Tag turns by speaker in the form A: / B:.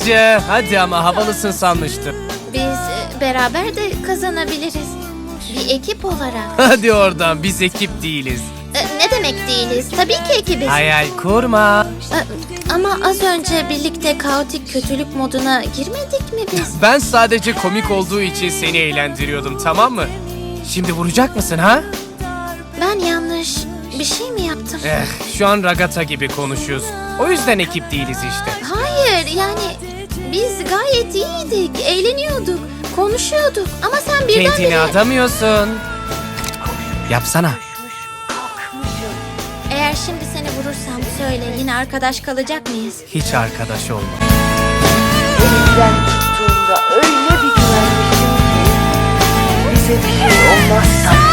A: Ece, hadi ama havalısın sanmıştım.
B: Biz beraber de kazanabiliriz. Bir ekip olarak.
A: Hadi oradan, biz ekip değiliz.
B: Ne demek değiliz? Tabii ki ekibiz.
A: Hayal kurma.
B: Ama az önce birlikte kaotik kötülük moduna girmedik mi biz?
A: Ben sadece komik olduğu için seni eğlendiriyordum, tamam mı? Şimdi vuracak mısın ha?
B: Ben yanlış bir şey mi yaptım?
A: Şu an ragata gibi konuşuyorsun. O yüzden ekip değiliz işte.
B: Hayır, yani biz gayet iyiydik, eğleniyorduk, konuşuyorduk. Ama sen
A: Kendini
B: birdenbire...
A: adamıyorsun. Yapsana.
B: Eğer şimdi seni vurursam söyle, yine arkadaş kalacak mıyız?
A: Hiç arkadaş olma.
C: Elimden tuttuğunda öyle bir güvenmiştim ki bize bir şey olmazsa